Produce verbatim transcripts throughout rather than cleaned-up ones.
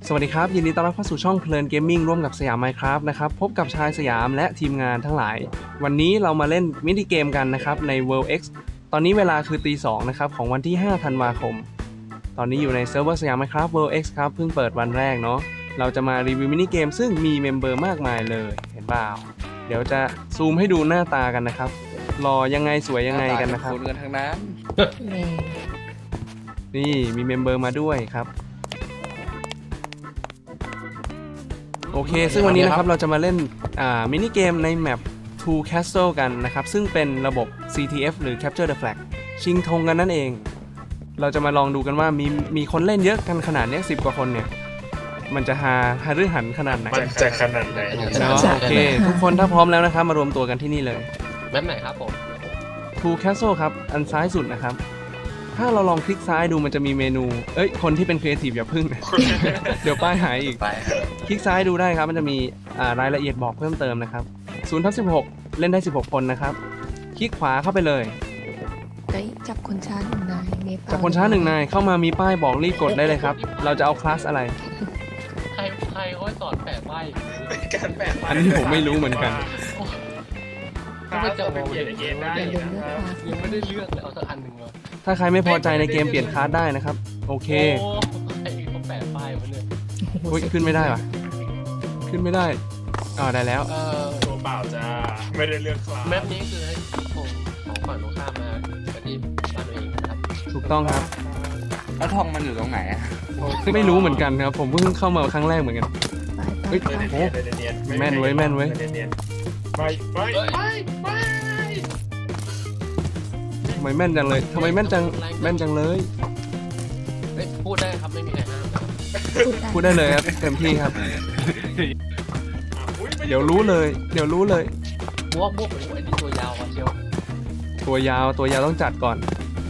สวัสดีครับยินดีต้อนรับเข้าสู่ช่องเพลินเกมมิ่งร่วมกับสยาม Minecraft นะครับพบกับชายสยามและทีมงานทั้งหลายวันนี้เรามาเล่นมินิเกมกันนะครับใน World X ตอนนี้เวลาคือตีสองนะครับของวันที่ห้าธันวาคมตอนนี้อยู่ในเซิร์ฟเวอร์สยาม Minecraft World X ครับเพิ่งเปิดวันแรกเนาะเราจะมารีวิวมินิเกมซึ่งมีเมมเบอร์มากมายเลยเห็นเปล่าเดี๋ยวจะซูมให้ดูหน้าตากันนะครับรอยังไงสวยยังไงกันนะครับคนกันทั้งนั้นนี่มีเมมเบอร์มาด้วยครับโอเคซึ่งวันนี้นะครับเราจะมาเล่นมินิเกมในแมป Two Castle กันนะครับซึ่งเป็นระบบ ซี ที เอฟ หรือ Capture the Flag ชิงธงกันนั่นเองเราจะมาลองดูกันว่ามีมีคนเล่นเยอะกันขนาดนี้สิบกว่าคนเนี่ยมันจะหาหารือหันขนาดไหนมันจะขนาดไหนโอเคทุกคนถ้าพร้อมแล้วนะครับมารวมตัวกันที่นี่เลยแมปไหนครับผม Two Castle ครับอันซ้ายสุดนะครับถ้าเราลองคลิกซ้ายดูมันจะมีเมนูเอ้ยคนที่เป็นครีเอทีฟอย่าพึ่ง เดี๋ยวป้ายหายอีกคลิกซ้ายดูได้ครับมันจะมีรายละเอียดบอกเพิ่มเติมนะครับศูนย์ทับสิบหกเล่นได้สิบหกคนนะครับคลิกขวาเข้าไปเลยเฮ้ยจับคนช้าหนึ่งนายจับคนช้าหนึ่งนายเข้ามามีป้ายบอกรีบกดได้เลยครับเราจะเอาคลาสอะไรใครใครเขาสอนแปะป้ายการแปะป้ายอันนี้ผมไม่รู้เหมือนกันก็ไม่จะมองในเกมได้ยังไม่ได้เลือกเลยเอาสักอันหนึ่งเลยถ้าใครไม่พอใจในเกมเปลี่ยนคลาสได้นะครับโอเคไอ้เขาแปะป้ายมาเนี่ยขึ้นไม่ได้ป่ะขึ้นไม่ได้อ๋อได้แล้วเออตัวเปล่าจะไม่ได้เลือกคลาสแมปนี้คือให้ของของฝั่งตรงข้ามมาปฏิบัติเองครับถูกต้องครับแล้วทองมันอยู่ตรงไหนอ่ะไม่รู้เหมือนกันครับผมเพิ่งเข้ามาครั้งแรกเหมือนกันเฮ้ยโอ้แม่นไว้แม่นไว้ไปไปไปไปทำไมแม่นจังเลยทำไมแม่นจังแม่นจังเลยพูดได้ครับไม่มีใครห้ามนะครับพูดได้เลยครับเต็มที่ครับเดี๋ยวรู้เลยเดี๋ยวรู้เลยบวกบวกไอ้นี่ตัวยาวเชียวตัวยาวตัวยาวต้องจัดก่อน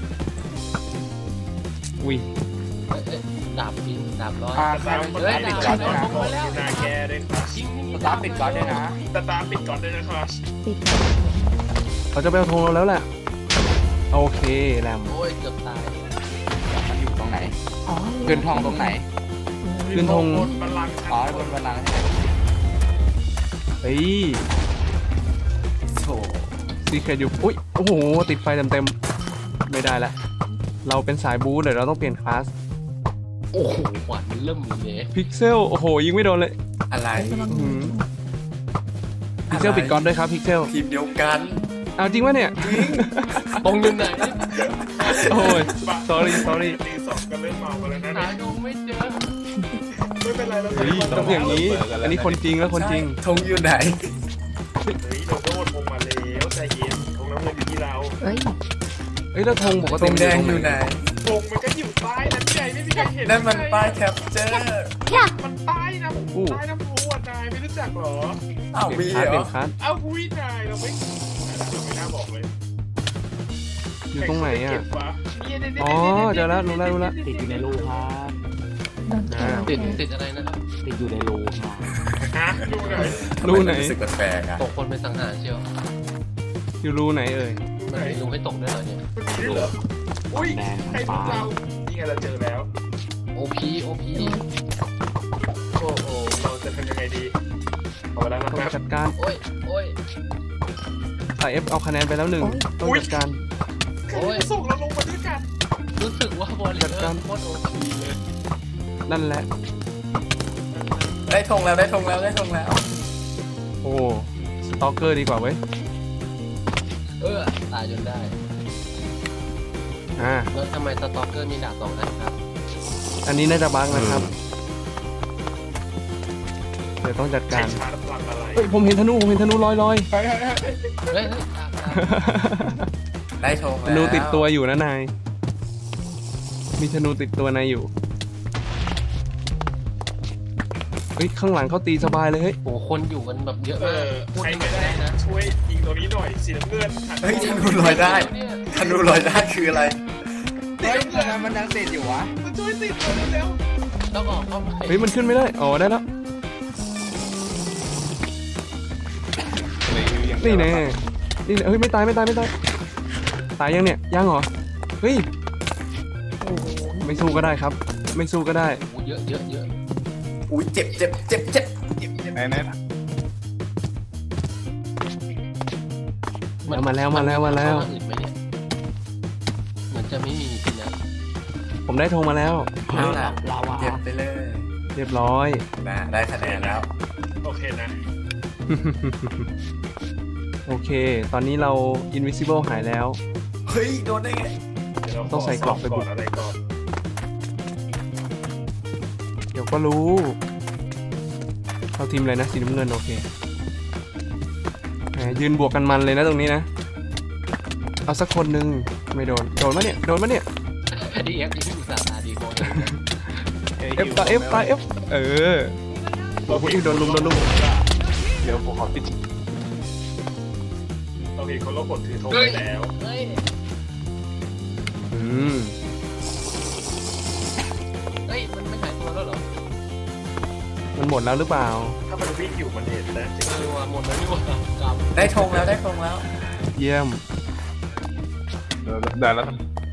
อุ้ยดาบบินดาบร้อยตาปิดก่อนด้วยนะนาแกด้วยครับตาปิดก่อนด้วยนะตาปิดก่อนด้วยนะครับเขาจะไปเอาธงเราแล้วแหละโอเคแรมโอ้ยเกือบตายมันอยู่ตรงไหนขึ้นทองตรงไหนขึ้นทงอ๋อบนบัลลังก์เฮ้ยโถ่ซีเคทอยู่อุ้ยโอ้โหติดไฟเต็มๆไม่ได้ละเราเป็นสายบู๊เดี๋ยวเราต้องเปลี่ยนคลาสโอ้โหหวานเริ่มเลยพิกเซลโอ้โหยิงไม่โดนเลยอะไรพิกเซลปิดก่อนด้วยครับพิกเซลทีมเดียวกันเอาจริงวะเนี่ยตรงยืนไหนโอ้ย sorry sorry ตีสองกันเริ่มเมากันแล้วนะหาธงไม่เจอไม่เป็นไรเราต้องอย่างนี้อันนี้คนจริงแล้วคนจริงธงอยู่ไหนเฮ้ยโดนโดนธงมาแล้วใจเย็นธงน้ำเงินอยู่ที่เราเฮ้ยเฮ้ยแล้วธงปกติแดงอยู่ไหนธงมันก็อยู่ใต้นั้นใหญ่ไม่มีใครเห็นนั่นมันป้ายแคปเจอร์มันใต้นะใต้น้ำพุนายไม่รู้จักหรออ้าวมีเหรออ้าววินายเราไม่เราไม่น่าบอกเลยอยู่ตรงไหนอ่ะอ๋อเจอแล้วรู้แล้วรู้แล้วติดอยู่ในรูครับติดติดอะไรนะครับติดอยู่ในรูครับรูไหนรูไหนรู้สึกแปลกๆอ่ะตกคนเป็นสังหารเชียวอยู่รูไหนเอ่ยมันมีรูให้ตกด้วยเหรอเนี่ยรูเหรออุ้ยใครรู้เรานี่ไงเราเจอแล้วโอพีโอพีโอ้โหเราจะทำยังไงดีเอาไปแล้วนะต้องจัดการโอ้ยโอ้ยสายเอฟเอาคะแนนไปแล้วหนึ่งต้องจัดการโอ้ยส่งเราลงมาด้วยกันรู้สึกว่าบอลจัดการโคตรโอพีเลยนั่นแหละได้ธงแล้วได้ธงแล้วได้ธงแล้วโอ้สตอกเกอร์ดีกว่าเว้ยเออตายจนได้อ่าแล้วทำไมสตอกเกอร์มีดาบสองอันครับอันนี้น่าจะบั๊กนะครับเดี๋ยวต้องจัดการเฮ้ยผมเห็นธนูผมเห็นธนูลอยลอยได้ธงธนูติดตัวอยู่นะนายมีธนูติดตัวนายอยู่เฮ้ยข้างหลังเขาตีสบายเลยเฮ้ยโอ้คนอยู่กันแบบเยอะมากใครก็ได้นะช่วยยิงตัวนี้หน่อยสีน้ำเงินเฮ้ยธนูลอยได้ธนูลอยได้คืออะไรเฮ้ยมันยังติดอยู่วะมันช่วยติดตัวเร็วต้องออกเข้าไปเฮ้ยมันขึ้นไม่ได้อ๋อได้แล้วนี่แน่นี่เฮ้ยไม่ตายไม่ตายไม่ตายตายยังเนี่ยยังเหรอเฮ้ยไม่สู้ก็ได้ครับไม่สู้ก็ได้เยอะเยอะเยอะอุ้ยเจ็บเจ็บเจ็บเจ็บเจ็บเจ็บไหนไหนมาแล้วมาแล้วมาแล้วอื่นไหมเนี่ยเหมือนจะไม่มีจริงนะผมได้ธงมาแล้วเอาล่ะลาวาเจ็บไปเลยเรียบร้อยนะได้คะแนนแล้วโอเคนะโอเค ตอนนี้เรา invisible หายแล้วเฮ้ยโดนได้ไงเดี๋ยวเราต้องใส่กรอบไปบุก่อก นอะไรก่อนเดี๋ยวก็รู้เราทีมอะไรนะสีน้ำเงินโอเคแหมยืนบวกกันมันเลยนะตรงนี้นะ เอาสักคนหนึ่งไม่โดน โดนมะเนี่ย โดนมะเนี่ยดีเอฟที่อุตส่าห์ตาดีโคตร F ตา F ตา F เออโอ้โหโดนลุมโดนลุมเดี๋ยวผมขอติดเราเห็นเขาลบกดถือธงไปแล้วเฮ้ยอืมเฮ้ยมันไม่หายตัวแล้วเหรอมันหมดแล้วหรือเปล่าถ้ามันวิ่งอยู่มันเห็นนะจริงเออว่าหมดแล้วนี่หว่ากรรมได้ธงแล้วได้ธงแล้วเยี่ยมเดี๋ยวได้แล้ว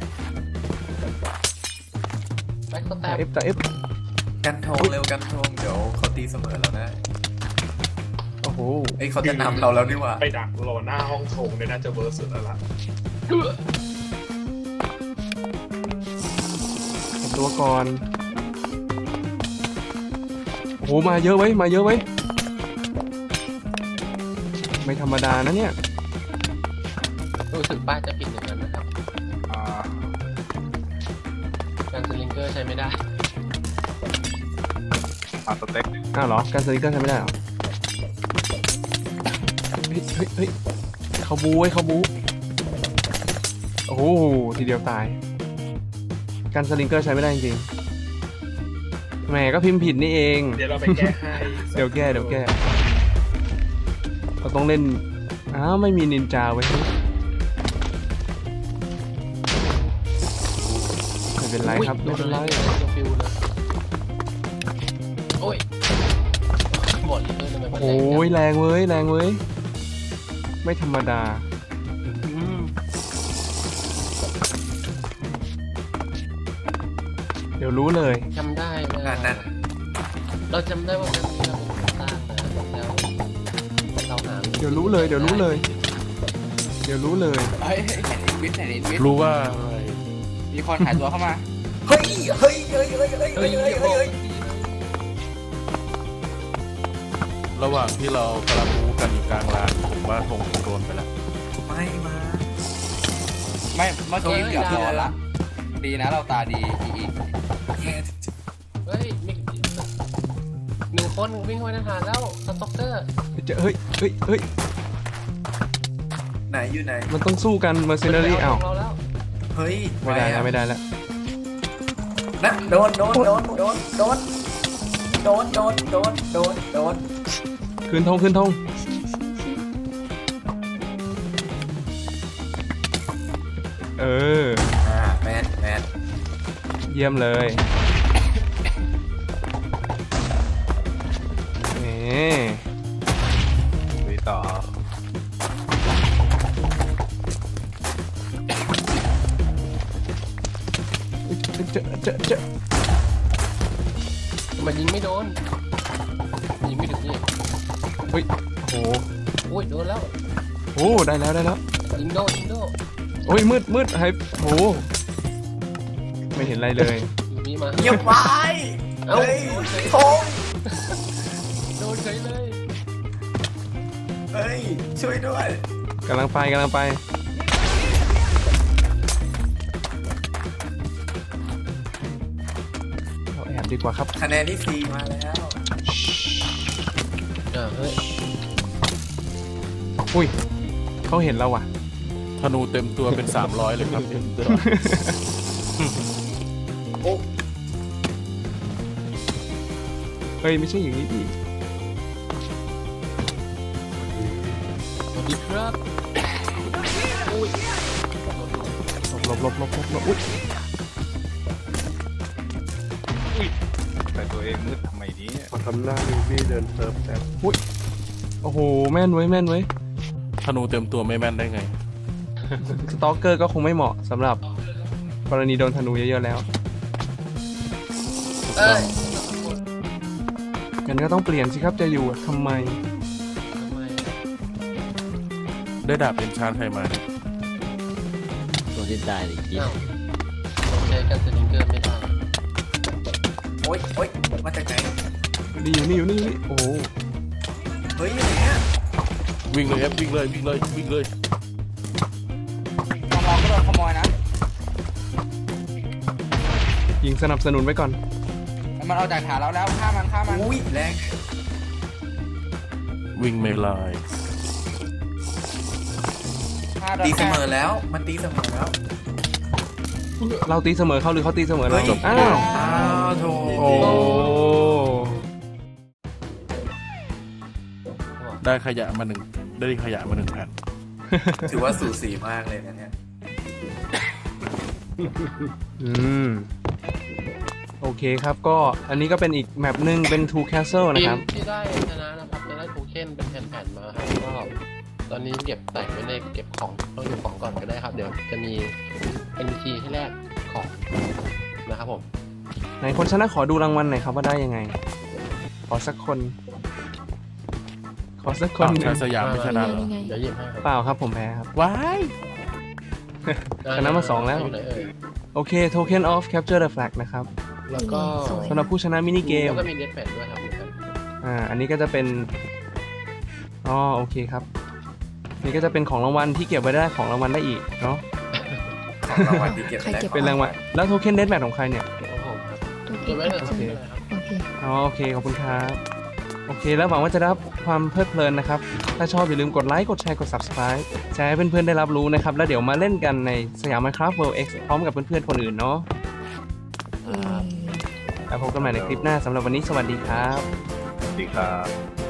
แบ็คสแตตาป F ตา F กันธงเร็วกันธงเดี๋ยวเขาตีเสมอเราได้โอ้โหเอ้ยเขาจะนำเราแล้วนี่หว่าไปดักรอหน้าห้องธงเนี่ยน่าจะเวิร์สสุดแล้วล่ะเก็บตัวก่อน โอ้โห มาเยอะไว้ยมาเยอะไว้ยไม่ธรรมดานะเนี่ยรู้สึกป้าจะผิดอย่างนั้นนะครับอ่าการสลิงเกอร์ใช้ไม่ได้อ่าสเต็กอ้าวเหรอ การสลิงเกอร์ทำไม่ได้เหรอ เฮ้ยเฮ้ยเฮ้ยเขาบูไว้ยเขาบูโอ้โห ทีเดียวตาย การสลิงเกอร์ใช้ไม่ได้จริงๆแหมก็พิมพ์ผิดนี่เองเดี๋ยวเราไปแก้ให้เดี๋ยวแก้เดี๋ยวแก้ เราต้องเล่น อ้าว ไม่มีนินจาไว้ยไม่เป็นไรครับ ไม่เป็นไรฟิวเลยโอ้ยหมดเลยทำไมมันแรงโอ้ยแรงเว้ย แรงเว้ย ไม่ธรรมดา เดี๋ยวรู้เลยจำได้ว่านั่นนั่นเราจำได้ว่ามันมีเราเป็นคนสร้างนะแล้วเราหาเดี๋ยวรู้เลย เดี๋ยวรู้เลย เดี๋ยวรู้เลยเฮ้ยเห็นวิทย์เห็นวิทย์รู้ว่ามีคนหายตัวเข้ามาเฮ้ยเฮ้ยเฮ้ยเฮ้ยเฮ้ยเฮ้เฮ้ยยเฮ้เฮ้ยยเฮ้เฮ้ยยระหว่างที่เรากำลังรู้กันอยู่กลางลานผมว่าธงโดนไปแล้วไม่มาไม่เมื่อกี้เกือบโดนละดีนะเราตาดีอีอีแค่เฮ้ยมีหนึ่งคนวิ่งเข้าไปในฐานแล้วสต็อกเกอร์เจะเฮ้ย เฮ้ย เฮ้ยไหนอยู่ไหนมันต้องสู้กันเมอร์เซน a รี่อ้าวเราแล้วเฮ้ยไม่ได้แล้วไม่ได้แล้วนะโดนโดนโดนโดนโดนโดนโดนโดนโดนโดนคืนธงคืนธงเอออ่าแมนแมนเยี่ยมเลยเอ๊ะไปต่อเจอเจอเจอมันยิงไม่โดนยิงไม่ถึงนี่เฮ้ย โอ้โหโอ้ยโดนแล้วโอ้ได้แล้วได้แล้วยิงโดยิงโดโอ้ยมืดมืดหายโอ้โหไม่เห็นอะไรเลยอยู่นี่มาเงียบไว้เอ้าเฮ้ยธงโดนเฉยเลยเฮ้ยช่วยด้วยกำลังไปกำลังไปเราแอบดีกว่าครับคะแนนที่สี่มาแล้วอ่าเฮ้ยอุ้ยเขาเห็นเราว่ะธนูเต็มตัวเป็น สามร้อยเลยครับเฮ้ยไม่ใช่อย่างนี้ดิสวัสดีครับอุ้ยหลบหลบหลบหลบหลบอุ้ยแต่ตัวเองมืดทำไมนี้พอทำหน้าลิวี่เดินเซิร์ฟแต่อุ้ยโอ้โหแม่นไว้ยแม่นไว้ยธนูเต็มตัวไม่แม่นได้ไงสตอกเกอร์ก็คงไม่เหมาะสำหรับกรณีโดนธนูเยอะๆแล้วเอ้ยงั้นก็ต้องเปลี่ยนสิครับจะอยู่ทำไมทำไมได้ดาบเป็นชานใครมาตัวที่ได้อีกทีอ้าวใช้กันสลิงเกอร์ไม่ได้โอ๊ยโอ๊ยมาจากไหนนี่อยู่นี่อยู่นี่อยู่นี่โอ้โหเฮ้ยอย่างเงี้ยวิ่งเลยเอฟวิ่งเลยวิ่งเลยวิ่งเลยมองก็โดนขโมยนะยิงสนับสนุนไว้ก่อนมันเอาจากฐานเราแล้วฆ่ามันฆ่ามันอุ้ยแรงวิ่งไม่ลายฆ่าโดนตีเสแค่มอแล้วมันตีเสมอแล้วเราตีเสมอเขาหรือเขาตีเสมอเราเฮ้ยจบอ้าวอ้าวโถโอ้ได้ขยะมาหนึ่งได้ขยะมาหนึ่งแผ่นถือว่าสูสีมากเลยนะเนี่ยอืมโอเคครับก็อันนี้ก็เป็นอีกแมปหนึ่งเป็น Two Castle นะทีคมรับที่ได้ชนะนะครับจะได้โทเค็นเป็นแผ่นๆมาครับก็ตอนนี้เก็บแต่งไว้ในเก็บของต้องเก็บของก่อนก็ได้ครับ เดี๋ยวจะมี เอ็น พี ซี ให้แลกของนะครับผมไหนคนชนะขอดูรางวัลหน่อยครับว่าได้ยังไง ขอสักคน ขอสักคนหนึ่ชาง ยสยามไม่ชนะเหรอนี่ไงเดี๋ยวหยิบให้ครับเปล่าครับผมแพ้ครับว้ายชนะมาสองแล้วอยู่ไหนเอ่ยโอเค Token of Capture the Flag นะครับแล้วก็สวยสำหรับผู้ชนะมินิเกมแล้วก็มีเดสแพดด้วยครับเหมือนกันอ่า อันนี้ก็จะเป็น อ๋อ โอเคครับ นี่ก็จะเป็นของรางวัลที่เก็บไว้ได้ของรางวัลได้อีกเนาะของรางวัลที่เก็บใครได้เก็บเป็นรางวัล แล้วโทเค็นเดสแมทของใครเนี่ยของผมครับตัวเก็บไว้เลยครับโอเคไม่เป็นไรครับโอเคอ๋อ โอเค ขอบคุณครับ โอเค แล้วหวังว่าจะได้รับความเพลิดเพลินนะครับ ถ้าชอบอย่าลืมกดไลค์ กดแชร์ กด Subscribe แชร์ให้เพื่อนๆได้รับรู้นะครับ แล้วเดี๋ยวมาเล่นกันในสยาม Minecraft World X พร้อมกับเพื่อนๆคนอื่นเนาะเอ่อแล้วพบกันใหม่ในคลิปหน้าสำหรับวันนี้สวัสดีครับสวัสดีครับ